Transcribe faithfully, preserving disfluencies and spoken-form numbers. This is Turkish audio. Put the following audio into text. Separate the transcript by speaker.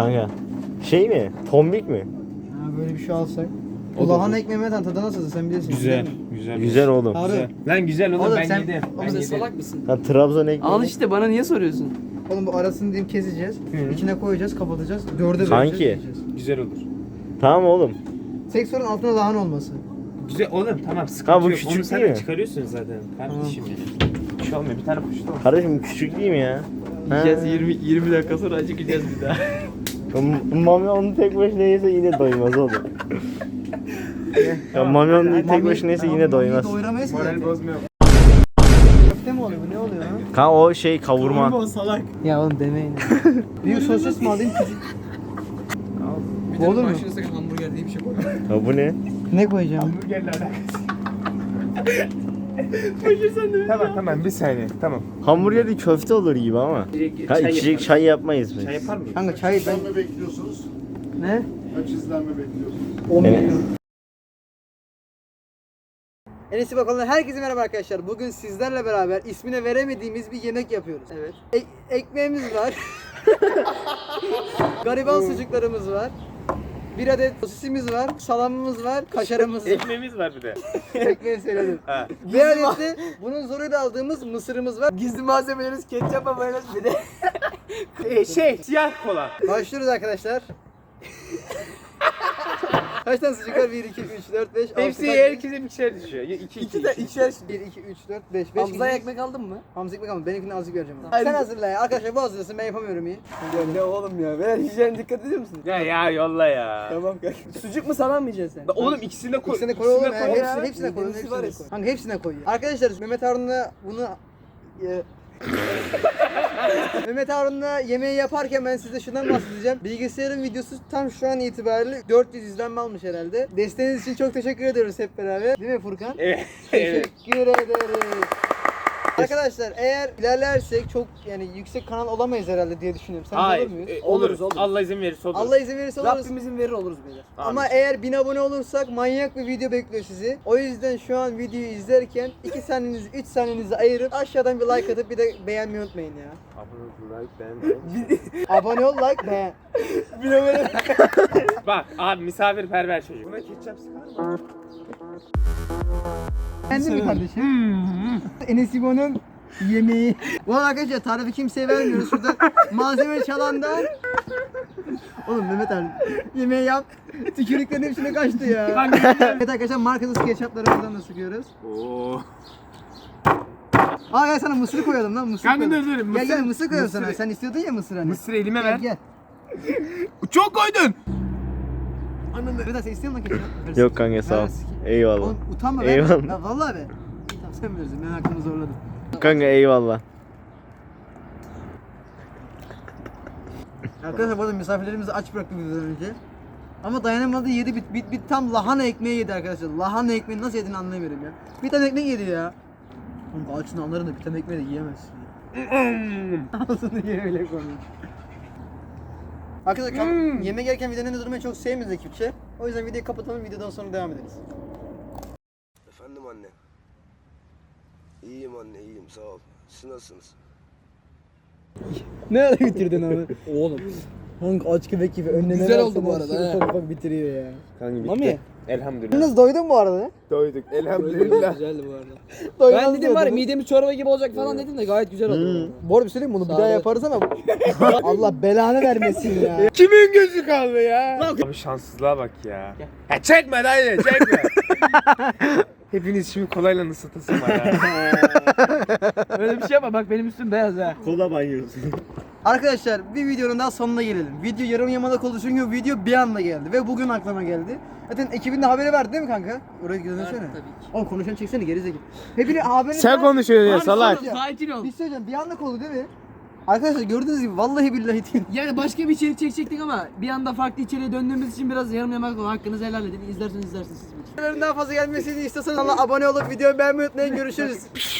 Speaker 1: Kanka. Şey mi? Tombik mi?
Speaker 2: Ha, böyle bir şey alsak. Bu lahana ekmeğinden tadı nasıl sen bilirsin.
Speaker 3: Güzel. Güzel.
Speaker 1: Güzel oğlum.
Speaker 2: Harbi.
Speaker 3: Lan güzel oğlum,
Speaker 2: Oğlum
Speaker 3: ben
Speaker 2: sen-
Speaker 3: yedim.
Speaker 2: oğlum
Speaker 3: Ben
Speaker 2: sen
Speaker 3: yedim.
Speaker 4: Salak mısın?
Speaker 1: Ha, Trabzon ekmeği.
Speaker 4: Al işte, bana niye soruyorsun?
Speaker 2: Oğlum bu arasını diyeyim keseceğiz. İçine koyacağız, kapatacağız. Dörde böleceğiz.
Speaker 1: Kanki.
Speaker 2: yiyeceğiz.
Speaker 3: Güzel olur.
Speaker 1: Tamam oğlum.
Speaker 2: Tek sorun altında lahana olması.
Speaker 3: Güzel oğlum, tamam, sıkıntı
Speaker 1: Ha, bu
Speaker 3: yok.
Speaker 1: küçük
Speaker 3: Onu sen
Speaker 1: değil
Speaker 3: de
Speaker 1: mi?
Speaker 3: çıkarıyorsun zaten kardeşim benim. Bir şey olmuyor, bir tane poşet al.
Speaker 1: Kardeşim küçük değil mi ya?
Speaker 4: Yiyeceğiz,
Speaker 1: Ha.
Speaker 4: yirmi yirmi dakika sonra acıkacağız bir daha.
Speaker 1: Mami onu tek başına yese yine doymaz oğlum. Ya Mami onu tek başına yese yine doymaz.
Speaker 2: Doyuramayız ki.
Speaker 3: Moral bozmuyor.
Speaker 2: Köfte mi oluyor bu, ne oluyor lan?
Speaker 1: Kanka o şey kavurma.
Speaker 3: salak.
Speaker 2: Ya oğlum demeyin. Büyük sosis mi alayım küçük?
Speaker 4: Bir
Speaker 2: Olur mu?
Speaker 4: başına sakın hamburger diye bir şey koyma.
Speaker 1: Ya bu ne?
Speaker 2: Ne koyacağım?
Speaker 3: Hamburgerle alakası. Tamam tamam, bir saniye, tamam.
Speaker 1: Hamburger değil, köfte olur gibi ama. Ha, içecek çay yapmayız biz.
Speaker 3: Çay yapar mıyız?
Speaker 2: Kanka çay ben...
Speaker 5: İzlenme bekliyorsunuz.
Speaker 2: Ne?
Speaker 5: Kaç izlenme bekliyorsunuz?
Speaker 2: on
Speaker 1: Evet.
Speaker 2: milyon. Enes'i bakalım. Herkese merhaba arkadaşlar. Bugün sizlerle beraber ismine veremediğimiz bir yemek yapıyoruz. Evet. E- ekmeğimiz var. Gariban sucuklarımız var. Bir adet sosisimiz var, salamımız var, kaşarımız var.
Speaker 3: Ekmeğimiz var bir de.
Speaker 2: Ekmeği söyledim.
Speaker 3: Ha.
Speaker 2: Bir adet de bunun zoruyla aldığımız mısırımız var.
Speaker 4: Gizli malzemelerimiz ketçap, mayonez bir de.
Speaker 3: Ee, şey, siyah kola.
Speaker 2: Başlıyoruz arkadaşlar. Kaç tane sucuk var? bir, iki, üç, dört, beş, altı.
Speaker 3: Hepsi herkese bir şey düşüyor. İki, iki,
Speaker 4: İki de
Speaker 3: iki.
Speaker 4: ikişer.
Speaker 2: bir, iki, üç, dört, beş, beş.
Speaker 4: Hamza'ya ekmek aldın mı?
Speaker 2: Hamza ekmek ama benimkini azıcık vereceğim. ona.
Speaker 4: Hayır.
Speaker 2: Sen hazırla ya. Arkadaşlar bu hazırlasın, ben yapamıyorum iyi.
Speaker 4: Ya ne oğlum ya? Ver, hijyen dikkat ediyor musun?
Speaker 3: Ya ya yolla ya.
Speaker 4: Tamam kanka. Sucuk mu salam mı yiyeceksin sen?
Speaker 3: Oğlum ikisini de koy.
Speaker 2: İkisine koy oğlum ya.
Speaker 3: koy
Speaker 2: Hepsine, hepsine koy.
Speaker 4: Midemizi var
Speaker 2: Hepsine
Speaker 4: ya.
Speaker 2: koy. Kanka hepsine koy. ya. Arkadaşlar Mehmet Harun'la bunu... e, Mehmet Harun'la yemeği yaparken ben size şundan bahsedeceğim. Bilgisayarın videosu tam şu an itibariyle dört yüz izlenme almış herhalde. Desteğiniz için çok teşekkür ediyoruz hep beraber. Değil mi Furkan?
Speaker 3: Evet. evet.
Speaker 2: Teşekkür ederiz. Arkadaşlar eğer ilerlersek çok yani yüksek kanal olamayız herhalde diye düşünüyorum. Sen
Speaker 3: Hayır.
Speaker 2: olur muyuz?
Speaker 3: e,
Speaker 4: Oluruz,
Speaker 3: oluruz,
Speaker 4: oluruz.
Speaker 3: Allah izin verirse oluruz.
Speaker 2: Allah izin verirse oluruz.
Speaker 4: Rabbimizin verir oluruz beyler.
Speaker 2: Ama eğer bin abone olursak manyak bir video bekliyor sizi. O yüzden şu an videoyu izlerken iki saniyenizi, üç saniyenizi ayırıp aşağıdan bir like atıp bir de beğenmeyi unutmayın ya.
Speaker 3: Abone ol, like, beğen.
Speaker 2: Abone ol, like, beğen.
Speaker 3: Bak abi, misafirperver çocuk. Buna ketçap sıkar mı?
Speaker 2: Beğendin mi kardeşim? Enes İbo'nun yemeği. Bu arada arkadaşlar tarifi kimseye vermiyoruz. Şurada malzeme çalandan. Oğlum Mehmet abi yemeği yap. Tükürüklerin hepsine kaçtı ya. Evet arkadaşlar markasız ketçaplarımızdan da sıkıyoruz.
Speaker 3: Oo.
Speaker 2: Aa gel sana mısır koyalım lan mısır
Speaker 3: Kanka
Speaker 2: koyalım.
Speaker 3: dur, dur,
Speaker 2: Gel
Speaker 3: mısır-
Speaker 2: gel mısır koyalım
Speaker 3: mısır-
Speaker 2: sana. Sen istiyordun ya mısır hani.
Speaker 3: Mısır elime
Speaker 2: Gel
Speaker 3: ver.
Speaker 2: gel.
Speaker 3: Çok koydun.
Speaker 2: Mehmet abi sen istiyor musun ketçap?
Speaker 1: Yok kanka sağ ol.
Speaker 2: Ver.
Speaker 1: Eyvallah.
Speaker 2: Oğlum utanma be.
Speaker 1: Eyvallah.
Speaker 2: Ya vallahi be. Tamam sen verirsin ben hakkımı zorladım.
Speaker 1: Kanka eyvallah.
Speaker 2: Arkadaşlar bu arada misafirlerimizi aç bıraktık bizden önce. Ama dayanamadı yedi bit bit bit tam lahana ekmeği yedi arkadaşlar. Lahana ekmeği nasıl yediğini anlayamıyorum ya. Bir tane ekmek yedi ya. Oğlum açın anlarım da bir tane ekmeği de yiyemezsin. Ağzını ye öyle konuş. Arkadaşlar kam- yemek yerken videonun durmayı çok sevmiyoruz ekipçe. O yüzden videoyu kapatalım, videodan sonra devam ederiz.
Speaker 6: Efendim anne. İyiyim anne, iyiyim, sağ ol. Siz nasılsınız?
Speaker 2: Ne ara bitirdin abi? Oğlum. Hangi aç köpek gibi önüne
Speaker 4: Güzel
Speaker 2: ne
Speaker 4: oldu
Speaker 2: versen
Speaker 4: bu
Speaker 2: hepsini
Speaker 4: arada, he.
Speaker 2: Ufak ufak bitiriyor ya.
Speaker 3: Kanka bitti.
Speaker 2: Mami.
Speaker 3: Elhamdülillah.
Speaker 2: Yalnız doydun bu arada.
Speaker 3: Doyduk. Elhamdülillah.
Speaker 4: Güzeldi bu arada.
Speaker 2: Doymaz
Speaker 4: Ben dedim var ya
Speaker 2: diyordun.
Speaker 4: midemiz çorba gibi olacak falan dedim de gayet güzel oldu.
Speaker 2: Bu arada bir söyleyeyim mi? Bunu bir
Speaker 4: Sağ
Speaker 2: daha
Speaker 4: ol.
Speaker 2: yaparız ama Allah belanı vermesin ya.
Speaker 3: Kimin gözü kaldı ya? Abi şanssızlığa bak ya. Ya çekme dayı, çekme. Hepiniz şimdi kolayla ısıtasın var ya.
Speaker 4: Öyle bir şey yapma, bak benim üstüm beyaz ha.
Speaker 1: Kola banyosu.
Speaker 2: Arkadaşlar bir videonun daha sonuna gelelim. Video yarım yamalak oldu çünkü video bir anda geldi ve bugün aklıma geldi. Zaten ekibin de haberi verdi değil mi kanka? Oraya dönsene.
Speaker 4: tabii ki.
Speaker 2: Oğlum konuşan çeksene gerizekalı. Hepini haberini
Speaker 3: Sen konuşuyorsun ya salak.
Speaker 4: Sakin ol.
Speaker 2: Bir şey söyleyeceğim bir anlık oldu değil mi? Arkadaşlar gördüğünüz gibi vallahi billahi değil.
Speaker 4: Yani başka bir içerik çekecektik ama bir anda farklı içeriğe döndüğümüz için biraz yarım yamak oldu. Hakkınızı helal edin. İzlerseniz izlersiniz siz.
Speaker 2: Videoların daha fazla gelmesini istiyorsanız abone olup videoyu beğenmeyi unutmayın. Görüşürüz.